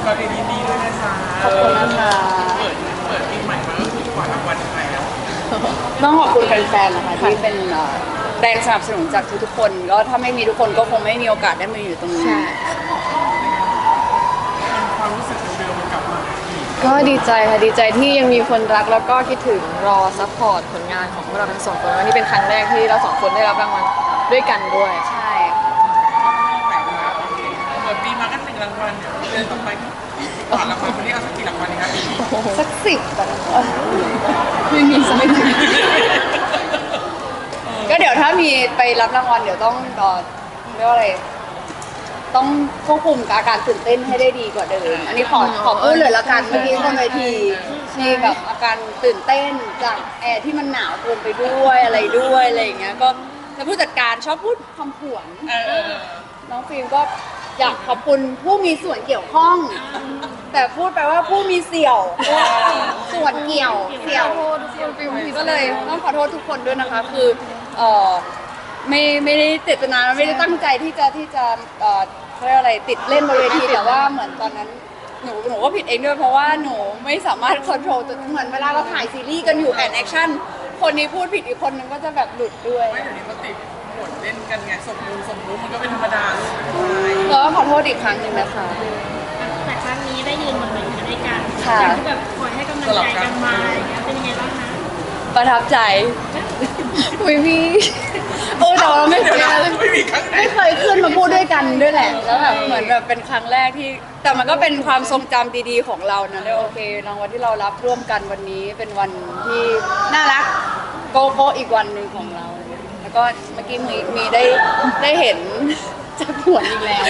ก็เรียนดีด้วยนะคะขอบคุณนะคะเปิดปีใหม่มาก็คือกว่ารางวัลไทยแล้วต้องขอบคุณแฟนๆนะคะที่เป็นแรงสนับสนุนจากทุกๆคนก็ถ้าไม่มีทุกคนก็คงไม่มีโอกาสได้มาอยู่ตรงนี้ความรู้สึกเดิมๆมันกลับมาก็ดีใจค่ะดีใจที่ยังมีคนรักแล้วก็คิดถึงรอซัพพอร์ตผลงานของพวกเราทั้งสองคนวันนี้เป็นครั้งแรกที่เราสองคนได้รับรางวัลด้วยกันด้วยใช่เปิดปีมาก็1 รางวัลเดือนต่อไปก่อนรางวัลวันนี้เอาสักกี่รางวัลดีครับปีนี้สัก10แบบไม่มีสักก็เดี๋ยวถ้ามีไปรับรางวัลเดี๋ยวต้องเรียกว่าอะไรต้องควบคุมอาการตื่นเต้นให้ได้ดีกว่าเดิมอันนี้ขอพูดเลยละกันเมื่อกี้บนเวทีมีแบบอาการตื่นเต้นจากแอร์ที่มันหนาวเกินไปด้วยอะไรอย่างเงี้ยก็แล้วผู้จัดการชอบพูดคำผวนน้องฟิล์มก็อยากขอบคุณผู้มีส่วนเกี่ยวข้องแต่พูดไปว่าผู้มีเสี่ยวส่วนเกี่ยวเสี่ยวก็เลยต้องขอโทษทุกคนด้วยนะคะคือไม่ได้เจตนาไม่ได้ตั้งใจที่จะเขาเรียกอะไรติดเล่นบนเวทีแต่ว่าเหมือนตอนนั้นหนูก็ผิดเองด้วยเพราะว่าหนูไม่สามารถควบคุมตัวเหมือนเวลาเราถ่ายซีรีส์กันอยู่แอนแอคชั่นคนนี้พูดผิดอีกคนนึงก็จะแบบหลุดด้วยไม่เดี๋ยวนี้เขาติดหมดเล่นกันไงสมมุติมันก็เป็นธรรมดาก็ขอโทษอีกครั้งหนึ่งนะคะแต่ครั้งนี้ได้ยืนบนเวทีด้วยกันค่ะที่แบบคอยให้กำลังใจกันมาอย่างเงี้ยเป็นยังไงบ้างคะประทับใจไม่มีแต่ว่าไม่เคยขึ้นมาพูดด้วยกันด้วยแหละแล้วแบบเหมือนแบบเป็นครั้งแรกที่แต่มันก็เป็นความทรงจำดีๆของเรานะเลยโอเครางวัลที่เรารับร่วมกันวันนี้เป็นวันที่น่ารักโกโก้อีกวันหนึ่งของเราแล้วก็เมื่อกี้มีได้เห็นจะผวนอีกแล้ว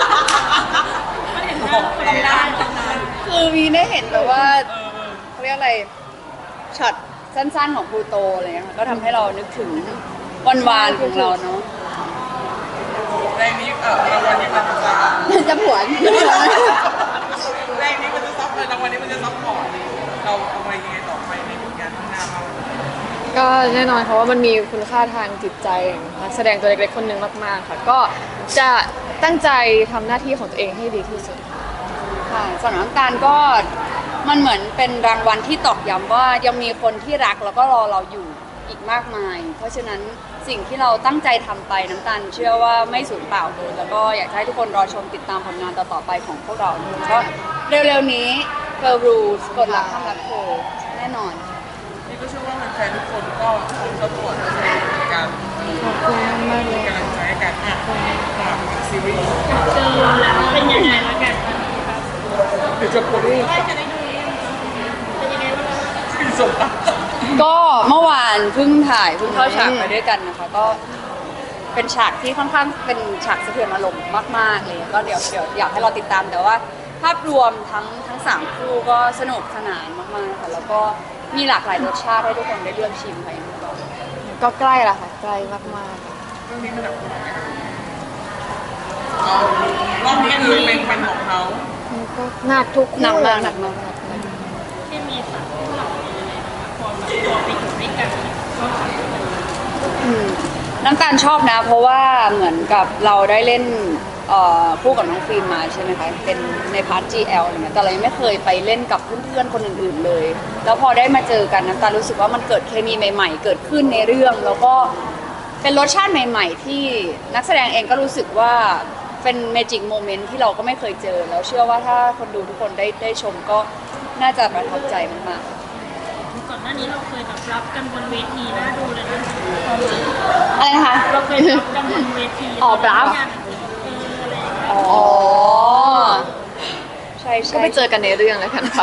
คือมีได้เห็นแบบว่าเขาเรียกอะไรช็อตสั้นๆของพลูโตอะไรเงี้ยก็ทำให้เรานึกถึงวันวานของเราเนาะแรงนี้รางวัลนี้มันจะผวนแรงนี้มันจะซับรางวัลนี้มันจะซับพอร์ตเราเอาไปยังไงต่อไปในผลงานข้างหน้าเราก็แน่นอนค่ะว่ามันมีคุณค่าทางจิตใจนักแสดงตัวเล็กๆคนหนึ่งมากๆค่ะก็จะตั้งใจทำหน้าที่ของตัวเองให้ดีที่สุดค่ะสำหรับน้ำตาลก็มันเหมือนเป็นรางวัลที่ตอกย้ำว่ายังมีคนที่รักแล้วก็รอเราอยู่อีกมากมายเพราะฉะนั้นสิ่งที่เราตั้งใจทำไปน้ำตาลเชื่อว่าไม่สูญเปล่าเลยแล้วก็อยากให้ทุกคนรอชมติดตามผลงานต่อๆไปของพวกเราก็เร็วๆนี้ Girl Rules กฎหลักห้ามรักเธอแน่นอนนี่ก็เชื่อว่าแฟนทุกคนก็คงจะปวดในการขอบคุณมากเลยกำลังใจกันซีรีส์เจอแล้วเป็นยังไงแล้วกันเดี๋ยวจะปวดด้วยจะได้ดูเป็นยังไงบ้างคือสมบัติก็เมื่อวานเพิ่งเข้าฉากไปด้วยกันนะคะก็เป็นฉากที่ค่อนข้างเป็นฉากสะเทือนอารมณ์มากๆเลยก็เดี๋ยวอยากให้เราติดตามแต่ว่าภาพรวมทั้ง3คู่ก็สนุกสนานมากๆค่ะแล้วก็มีหลากหลายรสชาติให้ทุกคนได้เลือกชิมไปก็ใกล้ละค่ะใกล้มากๆเรื่องนี้มันหนักรอบนี้คือเป็นของเขาก็หนักทุกหนักมากที่มีสัตว์ที่เราพอแบบตัวไปอยู่ด้วยกันน้ำตาลชอบนะเพราะว่าเหมือนกับเราได้เล่นคู่กับน้องฟิล์มมาใช่ไหมคะเป็นในพาร์ท GL อะไรเงี้ยแต่เรายังไม่เคยไปเล่นกับเพื่อนๆคนอื่นๆเลยแล้วพอได้มาเจอกันน้ำตาลรู้สึกว่ามันเกิดเคมีใหม่ๆเกิดขึ้นในเรื่องแล้วก็เป็นรสชาติใหม่ๆที่นักแสดงเองก็รู้สึกว่าเป็นเมจิกโมเมนต์ที่เราก็ไม่เคยเจอแล้วเชื่อว่าถ้าคนดูทุกคนได้ชมก็น่าจะประทับใจมากๆก่อนหน้านี้เราเคยแบบรับกันบนเวทีน่าดูเลยนะอะไรนะคะเราเคยรับกันบนเวทีรับใช่ก็ไปเจอกันในเรื่องแล้วกันค่ะ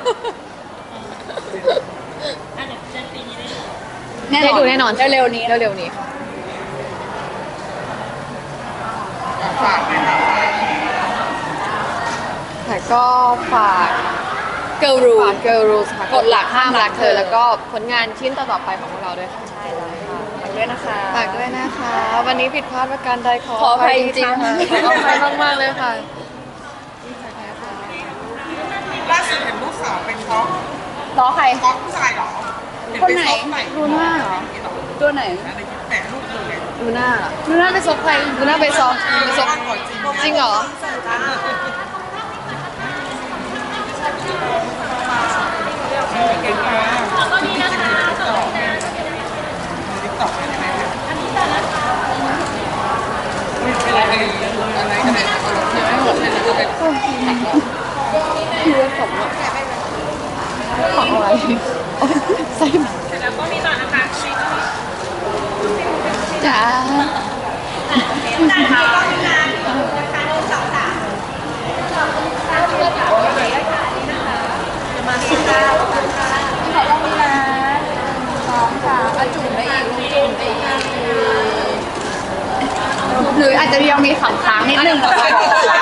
ได้ดูแน่นอนเร็วๆนี้ค่ะฝากเลยครับแต่ก็ฝาก Girl Rules ค่ะกฎหลักห้ามรักเธอแล้วก็ผลงานชิ้นต่อๆไปของพวกเราด้วยค่ะใช่แล้วค่ะฝากด้วยนะคะวันนี้ผิดพลาดประการใดขออภัยจริงๆค่ะขออภัยมากๆเลยค่ะล่าสุดเห็นลูกสาวเป็นท้องใครท้องผู้ชายหรอคนไหนลูน่าเหรอตัวไหนแหมลูกเลยลูน่าไปซบใครลูน่าไปซบจริงเหรอพี่ว่าของอะของอะไรโอ๊ยใส่มาเสร็จแล้วก็มีต่อนะคะชีก็มีจ้าจานนี้ก็มีงานนะคะ1 2 3มาที่เก้าขอต้องมีนะสองค่ะอาจุ่มได้อีกลูกจุ่มได้อีกหรืออาจจะยังมีขำค้างนิดนึงเหรอคะ